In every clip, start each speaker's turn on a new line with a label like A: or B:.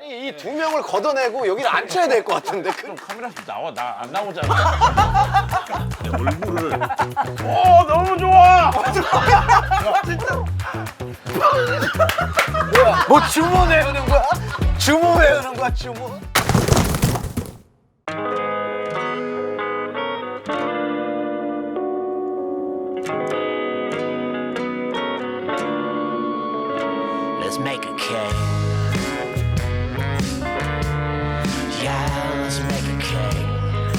A: 아니 이 두 명을 걷어내고 여기를 앉혀야 될 것 같은데.
B: 그럼 카메라 좀 나와. 나 안 나오잖아. 내 얼굴을. 오 너무 좋아.
A: 뭐야? 뭐 주문 외우는 거야? 주문 외우는 거야 주문?
C: Let's make a cake. Yeah, let's make a cake.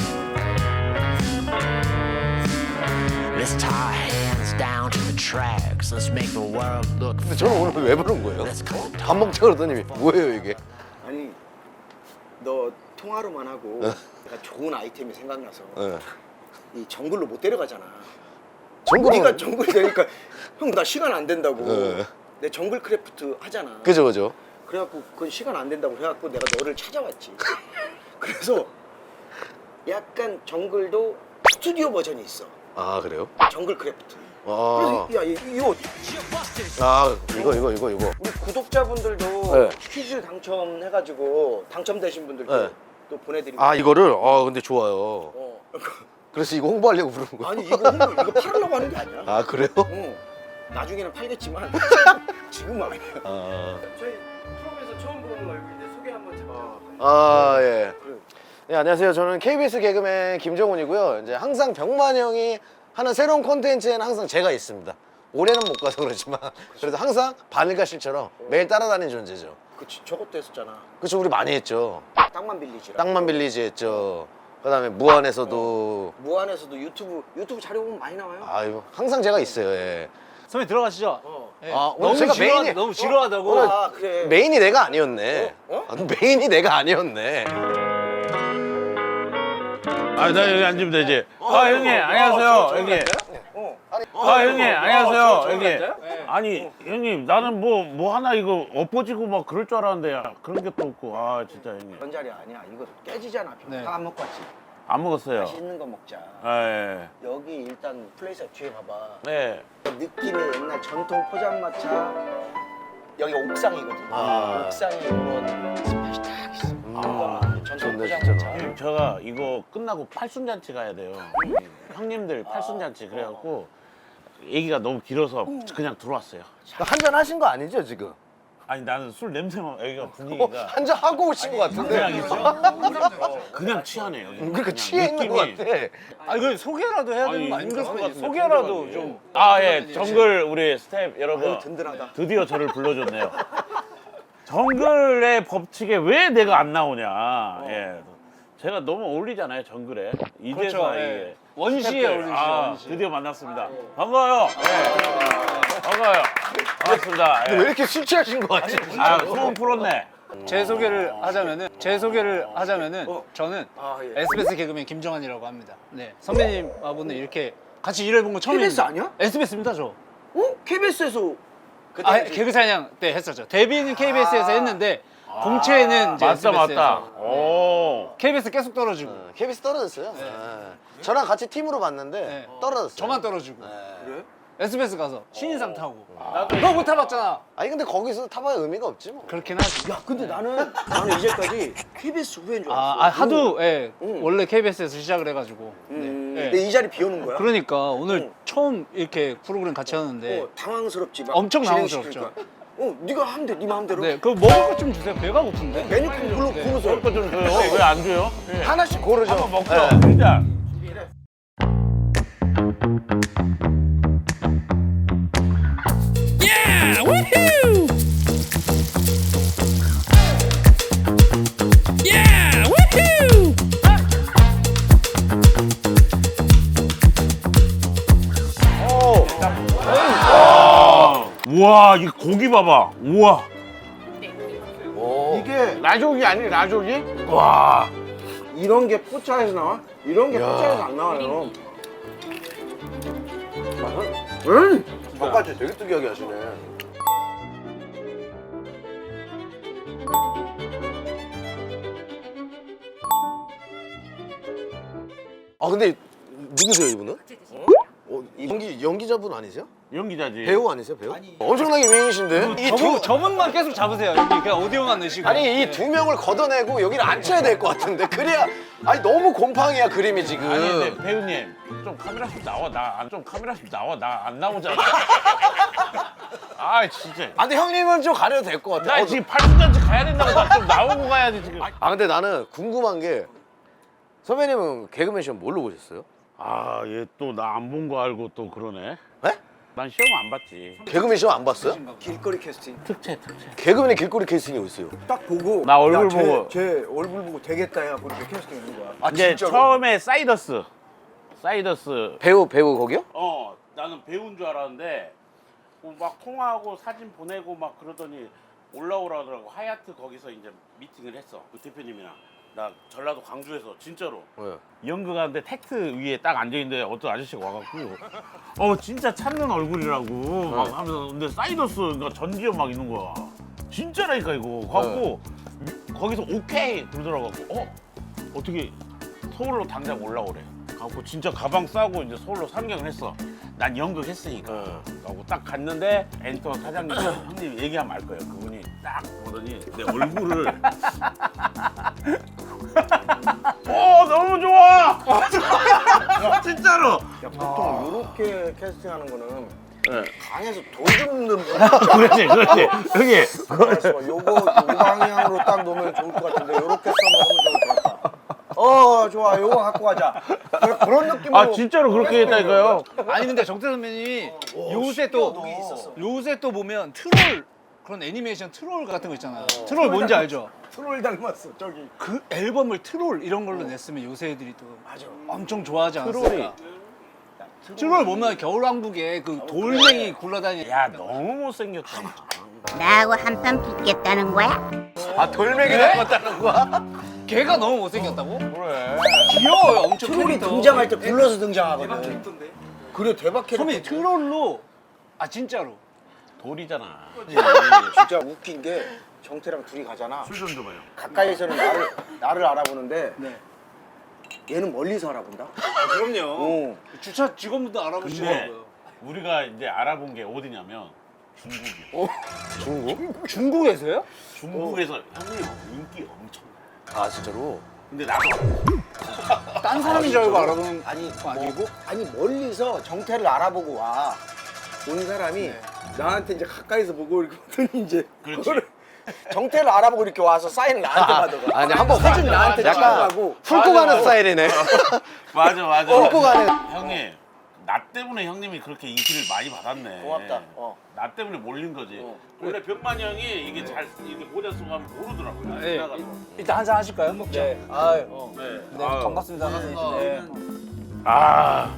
C: Let's tie our hands down to the tracks. Let's make the world look.
A: 근데 저는 오늘 왜 부른 거예요?
C: Let's go.
A: 밥 먹자 그러더니 뭐예요 이게?
D: 아니 너 통화로만 하고 내가 좋은 아이템이 생각나서
A: 네.
D: 이 정글로 못 데려가잖아.
A: 정글은-
D: 우리가 정글 되니까 형 나 시간 안 된다고.
A: 네.
D: 내 정글 크래프트 하잖아.
A: 그죠 그죠.
D: 그래갖고 그건 시간 안 된다고 해갖고 내가 너를 찾아왔지. 그래서 약간 정글도 스튜디오 버전이 있어.
A: 아 그래요?
D: 정글 크래프트.
A: 아,
D: 그래서 야 이거
A: 이거.
D: 우리 구독자분들도
A: 네.
D: 퀴즈 당첨해가지고 당첨되신 분들도
A: 네.
D: 또 보내드리고.
A: 아 이거를 근데 좋아요.
D: 어.
A: 그래서 이거 홍보하려고 부른 거야.
D: 아니 이거 팔으려고 하는 게 아니야.
A: 아 그래요?
D: 나중에는 팔겠지만 지금은 아니야. 저희 프로에서 처음 보는 얼굴인데 소개 한번 제가.
A: 예. 네 안녕하세요. 저는 KBS 개그맨 김정훈이고요. 이제 항상 병만 형이 하는 새로운 콘텐츠에는 항상 제가 있습니다. 올해는 못 가서 그렇지만 그래도 항상 바늘가실처럼 매일 따라다니는 존재죠.
D: 그치 저것도 했었잖아.
A: 그쵸 우리 많이 했죠.
D: 땅만 빌리지라.
A: 땅만 빌리지 했죠. 그다음에 무한에서도
D: 무한에서도 유튜브 자료 보면 많이 나와요.
A: 아유 항상 제가 있어요. 예.
E: 선배님 들어가시죠. 예.
A: 아, 오늘 제가 메인이-
E: 너무 지루하다고.
D: 아 그래.
A: 메인이 내가 아니었네.
D: 어?
A: 아, 메인이 내가 아니었네.
B: 아, 나 여기 앉으면 되지. 형님, 안녕하세요, 형님. 형님, 안녕하세요, 형님. 아니, 형님, 나는 뭐 하나 이거 엎어지고 막 그럴 줄 알았는데, 그런 게 또 없고. 아, 진짜, 형님.
D: 그런 자리 아니야. 이거 깨지잖아.
E: 네.
D: 다 안 먹고 왔지.
B: 안 먹었어요.
D: 맛있는 거 먹자.
B: 예.
D: 여기 일단 플레이스 뒤에 봐봐.
B: 네.
D: 느낌의 옛날 전통 포장마차. 여기 옥상이거든.
A: 아.
D: 옥상에 이런 스팟이 딱 있어. 전통
A: 좋네,
D: 포장마차.
A: 진짜로.
B: 형님, 제가 이거 끝나고 팔순잔치 가야 돼요. 형님들 팔순잔치. 그래갖고, 얘기가 너무 길어서 그냥 들어왔어요.
A: 한잔 하신 거 아니죠 지금?
B: 아니, 나는 술 냄새만, 여기가 분위기가.
A: 한잔 하고 오신 것 같은데.
B: 그냥 있어. 그냥 취하네, 여기.
A: 그러니까
B: 그냥
A: 취해 있는 것
B: 느낌이.
A: 같아.
E: 아니 그 소개라도 해야 되는 거
B: 아니, 힘들 것
E: 아닙니까?
B: 같은데,
E: 소개라도
B: 필요하지.
E: 좀.
B: 예. 정글 우리 스텝 여러분.
D: 아유, 든든하다.
B: 드디어 저를 불러줬네요. 정글의 법칙에 왜 내가 안 나오냐. 예. 제가 너무 어울리잖아요, 정글에. 이제서
E: 그렇죠,
B: 이게.
E: 예. 원시에
B: 스텝들.
E: 어울리시죠, 원시.
B: 드디어 만났습니다. 반가워요. 예. 반가워요. 반갑습니다.
A: 근데 왜 이렇게 술 취하신 것 같지?
B: 소문 풀었네.
E: 제 소개를 하자면은 저는
D: 예.
E: SBS 개그맨 김정환이라고 합니다. 네 선배님하고는 이렇게 같이 일해본 거 처음입니다.
D: KBS 아니야?
E: SBS입니다 저.
D: KBS에서
E: 개그 사냥 때 했었죠. 데뷔는 KBS에서 했는데 공채는 이제
B: 맞다,
E: SBS에서.
B: 맞다. 오.
E: KBS 계속 떨어지고
A: KBS 떨어졌어요. 예. 저랑 같이 팀으로 봤는데
E: 네.
A: 떨어졌어요.
E: 저만 떨어지고
D: 그래?
E: SBS 가서 신인상 타고 너 못 타봤잖아.
A: 아니 근데 거기서 타봐야 의미가 없지 뭐.
E: 그렇긴 하지.
D: 야 근데 나는 이제까지 KBS 후배인 줄 알았어.
E: 하도
D: 응.
E: 원래 KBS에서 시작을 해가지고 네.
D: 근데 이 자리 비오는 거야?
E: 그러니까 오늘 처음 이렇게 프로그램 같이 하는데
D: 당황스럽지 막
E: 엄청
D: 진행시키니까.
E: 당황스럽죠.
D: 네가 하면 돼, 네 마음대로.
E: 네, 그 먹을 것 좀 주세요. 배가 고픈데.
D: 메뉴판 고르세요.
B: 그거 좀 줘요. 왜 안 줘요?
A: 하나씩 고르죠.
B: 한번 먹죠.
A: 예.
B: 일단.
F: Yeah! Woohoo! Yeah! Woohoo!
B: 우와, 이 고기 봐봐. 우와.
D: 이게
A: 라조기 아니 라조기?
B: 와.
D: 이런 게 포차에서 나와? 이런 게 포차에서 안 나와요.
A: 젓갈치 되게 특이하게 하시네. 근데 누구세요 이분은? 연기자분 아니세요?
B: 연기자지.
A: 배우 아니세요? 배우? 엄청나게 미인이신데?
E: 저분만 계속 잡으세요. 여기 그냥 오디오만 넣으시고.
A: 아니 이 두 명을 걷어내고 여기를 앉혀야 될 것 같은데 그래야 아니 너무 곰팡이야 그림이 지금.
B: 아니 근데 배우님 좀 카메라 좀 나와 나 안 나오잖아. 아 진짜.
A: 아 근데 형님은 좀 가려도 될 것 같아.
B: 나 지금 팔순잔치 가야 된다고 나 좀 나오고 가야지 지금.
A: 아 근데 나는 궁금한 게 선배님은 개그맨 시험 뭘로 보셨어요?
B: 아 얘 또 나 안 본 거 알고 또 그러네.
A: 네?
B: 난 시험 안 봤지.
A: 개그맨 시험 안 봤어요?
D: 길거리 캐스팅.
B: 특채.
A: 개그맨의 길거리 캐스팅이 어디 있어요?
D: 딱 보고
B: 나 얼굴
D: 야,
B: 보고.
D: 쟤 얼굴 보고 되겠다 해갖고 이렇게 캐스팅 있는 거야. 아
B: 이제
D: 진짜로?
B: 처음에 사이더스.
A: 배우 거기요?
B: 나는 배우인 줄 알았는데 막 통화하고 사진 보내고 막 그러더니 올라오라 하더라고. 하얏트 거기서 이제 미팅을 했어. 그 대표님이랑. 나 전라도 광주에서 진짜로
A: 네.
B: 연극하는데 택트 위에 딱 앉아있는데 어떤 아저씨가 와갖고 진짜 찾는 얼굴이라고 막 하면서 근데 사이더스 그러니까 전지현 막 있는 거야. 진짜라니까 이거. 갖고 거기서 오케이 그러더라고. 어떻게 서울로 당장 올라오래. 갖고 진짜 가방 싸고 이제 서울로 상경을 했어. 난 연극 했으니까. 하고 딱 갔는데 엔터 사장님 형님 얘기하면 알 거예요. 그분이 딱 보더니 내 얼굴을 너무 좋아. 진짜로.
D: 야, 보통 요렇게 캐스팅하는 거는
B: 네.
D: 강에서 돌 줍는 분.
B: 그렇지 형님.
D: 알았어. 요거 이 방향으로 딱 놓으면 좋을 것 같은데 요렇게 써먹으면 좋을 것 같다. 좋아. 요거 갖고 가자. 그런 느낌으로.
B: 아 진짜로 그렇게 했다니까요.
E: 아니 근데 정태 선배님이 요새 또 보면 트롤 그런 애니메이션 트롤 같은 거 있잖아요. 트롤 뭔지 알죠?
D: 트롤 닮았어. 저기.
E: 그 앨범을 트롤 이런 걸로 냈으면 요새 애들이 또 엄청 좋아하지 않았을까? 트롤 보면 겨울왕국에 그 돌멩이 굴러다니는
B: 야 너무 못생겼다.
G: 나하고 한판 붙겠다는 거야?
A: 아 돌멩이 닮았다는 거야?
E: 걔가 너무 못생겼다고?
B: 그래.
E: 귀여워요 엄청
D: 트롤이
E: 캐릭터.
D: 등장할 때 불러서 등장하거든. 그래 대박 캐릭터.
E: 선배님 트롤로 진짜로
B: 돌이잖아.
D: 진짜 웃긴 게 정태랑 둘이 가잖아.
B: 술 좀 줘봐요.
D: 가까이서는 나를 알아보는데 얘는 멀리서 알아본다.
E: 그럼요. 주차 직원분도
B: 근데
E: 알아보시더라고요.
B: 우리가 이제 알아본 게 어디냐면 중국이야.
E: 중국에서요?
B: 중국에서 형님 인기 엄청 나.
A: 아 진짜로?
B: 근데 나도
E: 딴 사람인 줄 알고 알아보는
D: 아니
E: 거 아니고?
D: 아니 멀리서 정태를 알아보고 온 사람이 나한테 이제 가까이서 보고 이렇게 보더니 이제
B: 그렇지.
D: 그거를 정태를 알아보고 이렇게 와서 사인을 나한테 받아가.
A: 아니 한번
D: 사진 나한테
A: 약간
D: 찍어가고.
A: 훑고 가는 스타일이네.
B: 맞아.
A: 훑고 가는.
B: 형님 나 때문에 형님이 그렇게 인기를 많이 받았네.
D: 고맙다.
B: 나 때문에 몰린 거지. 원래 병만이 형이 이게 잘 이렇게 모자 쓰고 하면 모르더라고요.
E: 네.
B: 지나가서.
E: 일단 한잔 하실까요? 먹자. 네. 아유,
B: 네.
E: 네, 반갑습니다. 네.
B: 아.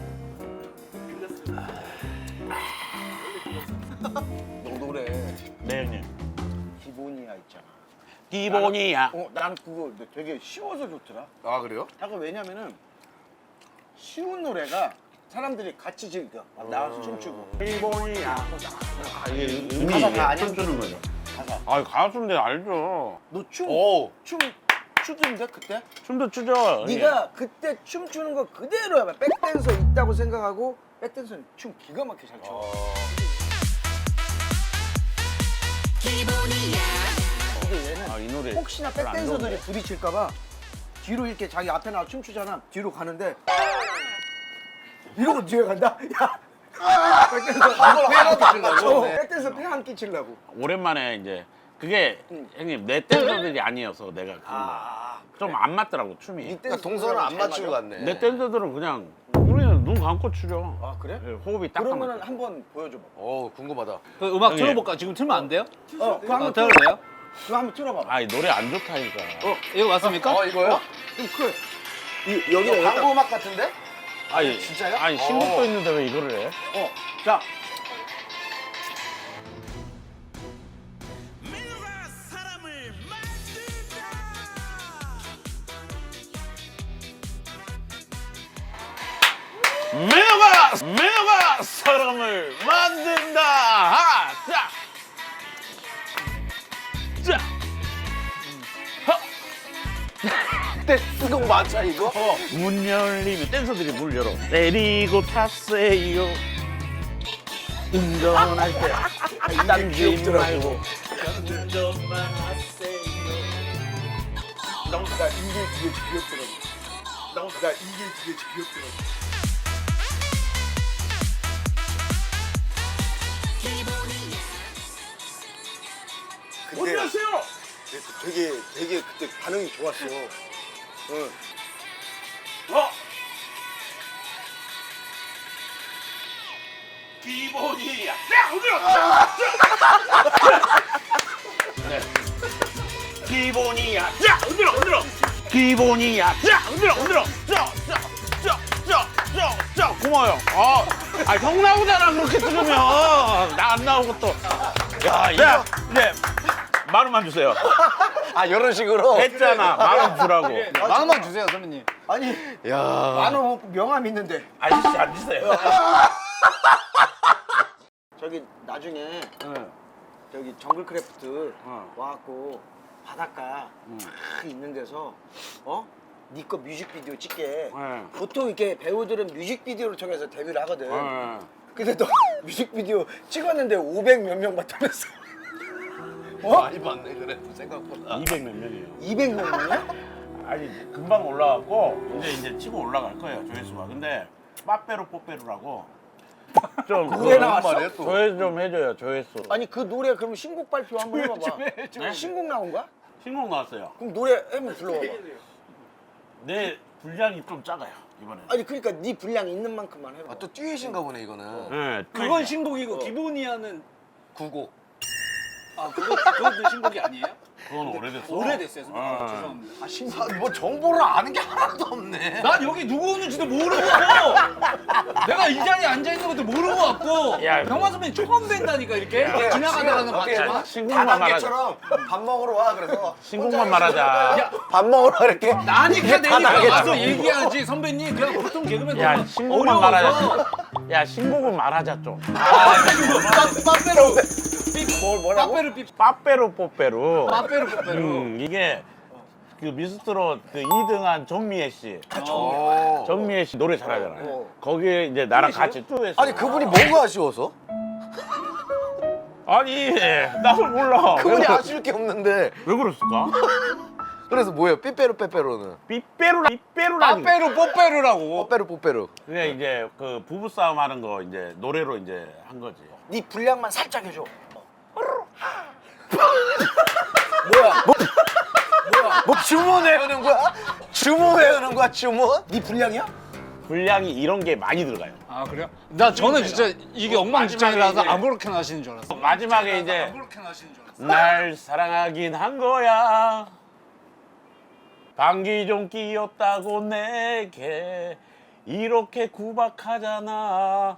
D: 너도 그래.
B: 네 형님.
D: 기본이야 있잖아.
B: 기본이야.
D: 난 그거 되게 쉬워서 좋더라.
A: 아 그래요?
D: 약간 왜냐면은 쉬운 노래가 사람들이 같이 즐겨. 나와서 춤추고.
B: 기본이야. 이게 의미
D: 가사 다 아니야?
B: 춤추는 거죠.
D: 가사.
B: 아 가수인데 알죠.
D: 너 춤 추던데 그때?
B: 춤도 추죠.
D: 네가 그때 춤추는 거 그대로야. 백댄서 있다고 생각하고 백댄서는 춤 기가 막히게 잘 춰. 근데 얘는
B: 이 노래
D: 혹시나
B: 별로 안
D: 백댄서들이
B: 좋은데.
D: 부딪힐까봐 뒤로 이렇게 자기 앞에 나와 춤추잖아. 뒤로 가는데 이러고 뒤에 간다. 야. 백댄서 폐안 끼치려고. 백댄서 폐안 끼치려고.
B: 오랜만에 이제 그게 형님 내 댄서들이 아니어서 내가 좀 안 맞더라고 춤이.
A: 그러니까 동선을 안 맞추고 갔네.
B: 내 댄서들은 그냥 우리는 눈 감고 추죠.
D: 아 그래?
B: 예, 호흡이 딱
D: 그러면은
B: 맞죠.
D: 한번 보여줘봐.
A: 궁금하다.
E: 그 음악
B: 형님.
E: 틀어볼까? 지금 틀면 안 돼요?
D: 그거 한번
E: 틀어도 돼요?
D: 그거 한번 틀어봐봐.
B: 아이 노래 안 좋다니까.
E: 이거 맞습니까?
A: 이거요?
D: 좀 크. 여기다
A: 광고 음악 같은데?
B: 아니
A: 진짜요?
B: 아니 신곡도 있는데 왜 이거를 해?
D: 자.
B: 매너가 사람을 만든다. 하나, 자, 자.
A: 댄스곡 맞아 이거?
B: 문 열리면 댄서들이 문 열어. 내리고 탔어요. 운전할 때 딴지 말고.
D: 나 이게 되게 귀엽더라고. 나 이게 되게 귀엽더라고.
E: 안녕하세요.
D: 되게 그때 반응이 좋았어. 응.
B: 기본이야. 기본이야. 야, 흔들어. 기본이야. 야, 흔들어. 자, 고마워요. 형 나오잖아 그렇게 찍으면 나 안 나오고 또. 야, 이거 이제 만 원만 주세요.
A: 아 이런 식으로.
B: 했잖아. 만 원 주라고.
E: 만 원만 주세요, 선배님.
D: 아니
A: 야.
D: 만원 명함 있는데
B: 아저씨 앉으세요.
D: 저기 나중에 저기 정글크래프트 와갖고 바닷가 딱 있는 데서 네 거 뮤직비디오 찍게. 보통 이렇게 배우들은 뮤직비디오를 통해서 데뷔를 하거든. 근데 너 뮤직비디오 찍었는데 500 몇 명 봤다면서?
A: 많이 봤네 그래도 생각보다.
B: 200 몇 명이에요.
D: 200 몇 명이야?
B: 아니 금방 올라갔고 이제 치고 올라갈 거예요 조회수가. 근데 빠빼로 뽀빼로라고 좀
D: 노래 나왔어?
B: 조회 좀 해줘요 조회수.
D: 아니 그 노래 그럼 신곡 발표 한번 해봐봐.
B: 네?
D: 신곡 나온 거야?
B: 신곡 나왔어요.
D: 그럼 노래 한번 불러봐봐.
B: 내 분량이 좀 작아요 이번에.
D: 아니 그러니까 네 분량 있는 만큼만 해봐.
A: 또 듀엣인가 보네 이거는.
B: 네,
E: 그건 신곡이고 기본이야는
A: 9곡.
E: 그것도 신곡이 아니에요?
B: 그건 오래됐어.
E: 오래됐어요, 선배님. 죄송합니다.
A: 뭐 정보를 아는 게 하나도 없네.
E: 난 여기 누구 오는지도 모르고 내가 이 자리에 앉아 있는 것도 모르고 왔고
B: 야,
E: 병만 선배님 처음 뵌다니까 이렇게 지나가다가는 봤지만
B: 신곡만 말하자.
A: 다단계처럼 밥 먹으러 와 그래서
B: 신곡만 말하자.
A: 밥 먹으러 와 이렇게.
E: 나니까
A: 다
E: 내가
A: 나겠죠.
E: 와서 얘기하지 선배님. 그냥 보통 개그맨
B: 야
E: 너무
B: 신곡만
E: 어려워서.
B: 말하자. 야 신곡은 말하자 좀.
A: 빠빼로.
E: 빠빼로 삐
B: 빠빼로 뽀빼로.
E: 빠빼로 뽀빼로.
B: 이게 그 미스트롯 그 2등한 정미애 씨. 정미애 씨 노래 잘하잖아요. 거기에 이제 나랑 같이 듀엣.
A: 아니 그분이 뭐가 아쉬워서?
B: 아니 나도 몰라.
A: 그분이 아쉬울 게 없는데.
B: 왜 그랬을까?
A: 그래서 뭐예요? 삐빼로 빼빼로는.
B: 삐빼로라니.
E: 빠빼로 뽀빼로라고.
A: 뽀빼로 뽀빼로.
B: 그냥 이제 그 부부 싸움 하는 거 이제 노래로 이제 한 거지.
D: 네 분량만 살짝 해줘.
A: 뭐 주문 외우는 거야? 주문 외우는 거야 주문?
D: 네 분량이야?
B: 분량이 이런 게 많이 들어가요.
E: 아 그래요? 저는 진짜 이게 엉망진창이라서
B: 마지막에 이제-
E: 아무렇게나 하시는 줄 알았어.
B: 마지막에 이제
E: 아무렇게나 하시는 줄 알았어.
B: 날 사랑하긴 한 거야. 방귀 좀 뀌었다고 내게 이렇게 구박하잖아.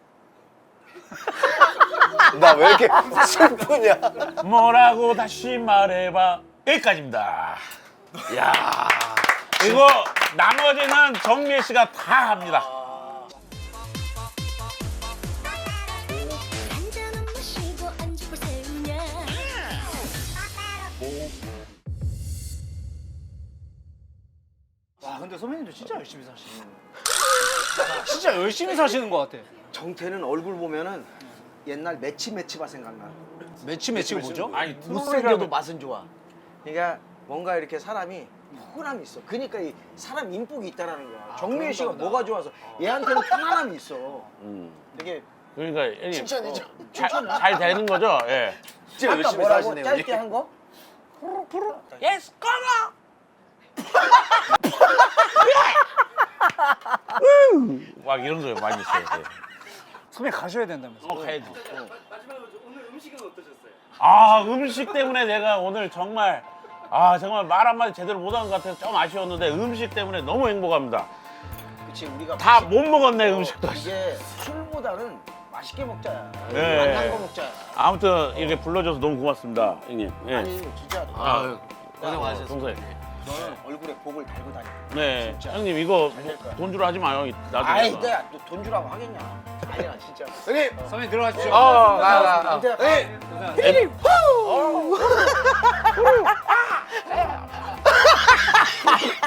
A: 나 왜 이렇게 슬프냐?
B: 뭐라고 다시 말해봐. 여기까지입니다. 야 이거 나머지는 정미애 씨가 다 합니다.
H: 한잔 마시고 안주를 세우냐
E: 와 근데 선배님도 진짜 열심히 사시는. 진짜 열심히 사시는 것 같아.
D: 정태는 얼굴 보면은 옛날 매치바 생각나.
E: 매치가 뭐죠?
B: 아니
D: 못생겨도 맛은 좋아. 그러니까 뭔가 이렇게 사람이 포근함이 있어. 그러니까 이 사람 인복이 있다라는 거야. 정미애 씨가
E: 그런가 보다.
D: 뭐가 좋아서 얘한테는 편안함이 있어. 되게
B: 그러니까 형님,
A: 칭찬이죠.
B: 잘 되는 거죠? 예.
A: 진짜
D: 아까
A: 열심히
D: 뭐라고
A: 사시네
D: 짧게
A: 우리.
D: 한 거?
B: 예스 컴온. 막 이런 거 많이 있어요. 예.
E: 선배님 가셔야 된다면서.
B: 가야지. 아 음식 때문에 내가 오늘 정말 정말 말 한마디 제대로 못한 것 같아서 좀 아쉬웠는데 음식 때문에 너무 행복합니다.
D: 그치 우리가
B: 다 못 먹었네 음식도.
D: 이게 술보다는 맛있게 먹자야.
B: 네.
D: 만난 거 먹자야.
B: 아무튼 이렇게 불러줘서 너무 고맙습니다, 형님. 예.
D: 아니 진짜
A: 고생 많으셨습니다.
B: 동생.
D: 너는 얼굴에 복을 달고 다녀.
B: 네, 형님 이거 돈 주로 하지 마요. 나중에.
D: 아이 내가 돈 주라고 하겠냐. 아니야 진짜.
A: 형님.
E: 선배님 들어가십시오.
A: 가.
D: 이제
B: 예.